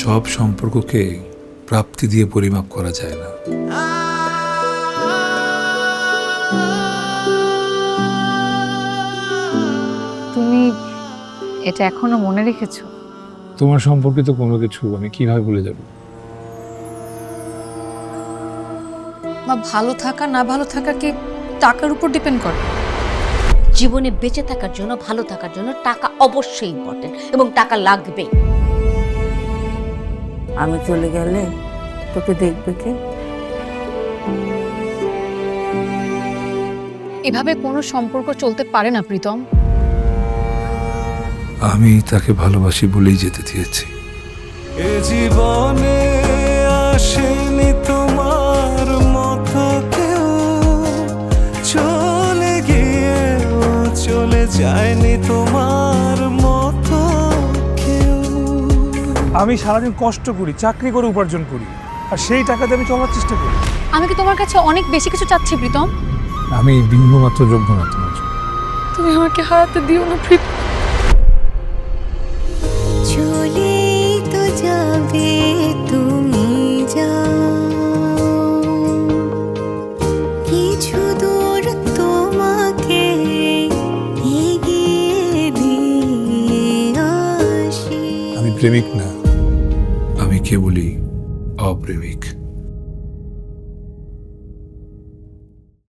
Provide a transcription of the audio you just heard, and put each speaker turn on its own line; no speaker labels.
সব সম্পর্ককে প্রাপ্তি দিয়ে পরিমাপ করা যায় না।
তুমি এটা এখনো মনে রেখেছো?
তোমার সম্পর্কিত কোনো কিছু আমি কিভাবে ভুলে যাব?
বা ভালো থাকা না ভালো থাকা কি টাকার উপর ডিপেন্ড করে?
জীবনে বেঁচে থাকার জন্য, ভালো থাকার জন্য টাকা অবশ্যই ইম্পর্টেন্ট এবং টাকা লাগবে।
আমি চলে গেলে তোকে দেখবে কে?
এভাবে কোনো সম্পর্ক চলতে পারে না প্রীতম।
আমি তাকে ভালোবাসি বলেই যেতে দিয়েছি।
এ জীবনে আসেনি তোমার মতো কেউ, চলে গিয়ে চলে যায়নি তোমার মতো কেউ।
আমি সারাদিন কষ্ট করি, চাকরি করে উপার্জন করি, আর সেই টাকাতে আমি চলার চেষ্টা করি।
আমি কি তোমার কাছে অনেক বেশি কিছু চাচ্ছি প্রীতম?
আমি বিন্দুমাত্র যোগ্য না তোমার জন্য।
তুমি আমাকে হারাতে দিও না প্রীতম।
চলে তো যাবে তুমি, যাও কিছু দূর তোমাকে এগিয়ে দিয়ে আসি।
আমি প্রেমিক না, আমি কেবলই অপ্রেমিক।